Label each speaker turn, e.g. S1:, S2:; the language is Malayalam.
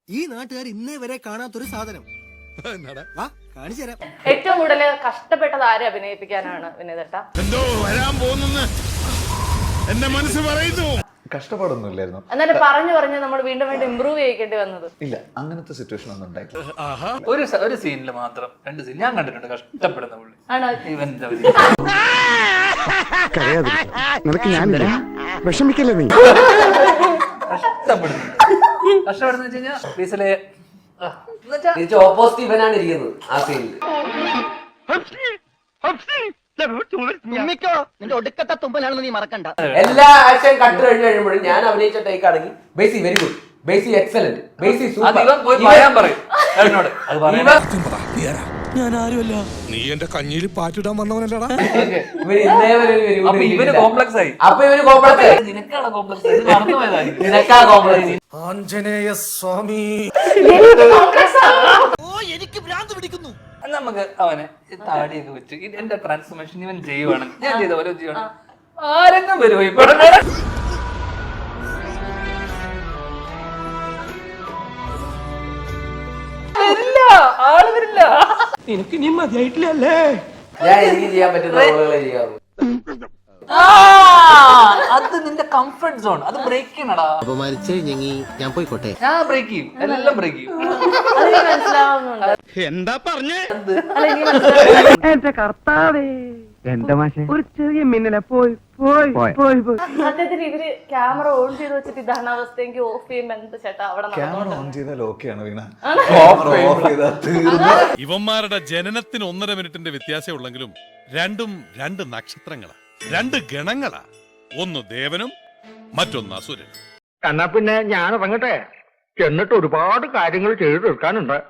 S1: ഈ നാട്ടുകാർ ഇന്നേ വരെ കാണാത്തൊരു സാധനം കാണിച്ചു തരാം.
S2: ഏറ്റവും കൂടുതൽ കഷ്ടപ്പെട്ടത് ആരെ അഭിനയിപ്പിക്കാനാണ് വിനീതേട്ടാ?
S3: എന്തോ വരാൻ പോകുന്നെന്ന് എന്റെ മനസ്സ് പറയുന്നു.
S4: കഷ്ടപ്പാടൊന്നും ഇല്ലായിരുന്നു.
S2: എന്നാലും പറഞ്ഞു നമ്മൾ വീണ്ടും ഇമ്പ്രൂവ് ചെയ്യിക്കേണ്ടി വന്നത്.
S4: ഇല്ല, അങ്ങനത്തെ സിറ്റുവേഷൻ ഒന്നും ഉണ്ടായിട്ടില്ല.
S5: ഒരു സീനിൽ മാത്രം 2 സീൻ ഞാൻ കണ്ടിട്ടുണ്ട് കഷ്ടപ്പെടുന്ന പുള്ളി.
S2: ആണോ?
S5: ഇവന്റെ
S6: നിനക്ക് ഞാനില്ല, വിഷമിക്കല്ലേ നീ.
S5: കഷ്ടപ്പെടുന്ന വെച്ച് കഴിഞ്ഞാൽ ബീസിലെ
S7: ഓപ്പോസിറ്റ് ഇവനാണ് ഇരിക്കുന്നത് ആ സീനിൽ.
S1: നിന്റെ ഒടുക്കത്തെ തുമ്പലാണെന്ന് നീ മറക്കണ്ട.
S7: എല്ലാ ആക്ഷൻ കട്ട് കഴിഞ്ഞ് കഴിയുമ്പോഴും ഞാൻ അഭിനയിച്ച ടേക്ക് ആണെങ്കിൽ Basi very good, Basi excellent, Basi
S3: ഞാൻ ആരുമല്ല, നീ എന്റെ കഞ്ഞിയിൽ പാറ്റിടാൻ വന്നവനല്ലടാ.
S5: ഇവന് കോംപ്ലക്സ് ആയി.
S7: അപ്പൊ ഇവന് കോംപ്ലക്സ് ആയി.
S5: നിനക്കാണ് കോംപ്ലക്സ് ആയി. മറന്നുപോയതായി.
S7: നിനക്കാ കോംപ്ലക്സ്.
S3: ആഞ്ജനേയ സ്വാമി.
S1: എനിക്ക് ഭ്രാന്ത് പിടിക്കുന്നു.
S5: നമുക്ക് അവനെ താടിയൊക്കെ വെച്ച് എന്റെ ട്രാൻസ്ഫോർമേഷൻ ഇവൻ ചെയ്യുവാണ്, ഞാൻ ചെയ്ത പോലെ ചെയ്യുവാണ്. ആരെങ്കിലും വരുമോ ഇപ്പൊ? ആള് വരില്ല.
S1: എനിക്ക് നീ മതിയായിട്ടില്ലല്ലേ?
S7: ഞാൻ എനിക്ക് ചെയ്യാൻ പറ്റുന്ന റോളുകളെ ചെയ്യാറുള്ളൂ.
S5: അത് നിന്റെ കംഫർട്ട് സോൺ, അത് ബ്രേക്ക് ചെയ്യണടാ.
S1: ഞാൻ പോയിക്കോട്ടെ.
S5: ഞാൻ ബ്രേക്ക് ചെയ്യും, എല്ലാം ബ്രേക്ക് ചെയ്യും.
S2: അതെനിക്ക് മനസ്സിലാവുന്നുണ്ട്.
S3: എന്താ പറഞ്ഞേ?
S6: എന്റെ കർത്താവേ, എന്റെ മാഷെ ഒരു ചെറിയ മിന്നലെ പോയി പോയി പോയി പോയി.
S2: സത്യത്തിൽ ഇവര് ക്യാമറ ഓൺ ചെയ്ത് വെച്ചിട്ട് ഇതാണ് അവസ്ഥ. എനിക്ക് ഓഫ് ചെയ്യുമ്പോ എന്ത് ചേട്ടാ അവിടെ
S4: ക്യാമറ ഓൺ ചെയ്താൽ ഓക്കെയാണ് വീണ.
S3: ഇവന്മാരുടെ ജനനത്തിന് 1.5 മിനിറ്റിന്റെ വ്യത്യാസം ഉള്ളെങ്കിലും രണ്ടും 2 നക്ഷത്രങ്ങളാ, 2 ഗണങ്ങളാ. ഒന്ന് ദേവനും മറ്റൊന്ന് അസുരനും.
S6: എന്നാ പിന്നെ ഞാൻ ഇറങ്ങട്ടെ, എന്നിട്ട് ഒരുപാട് കാര്യങ്ങൾ ചെയ്തു തീർക്കാനുണ്ട്.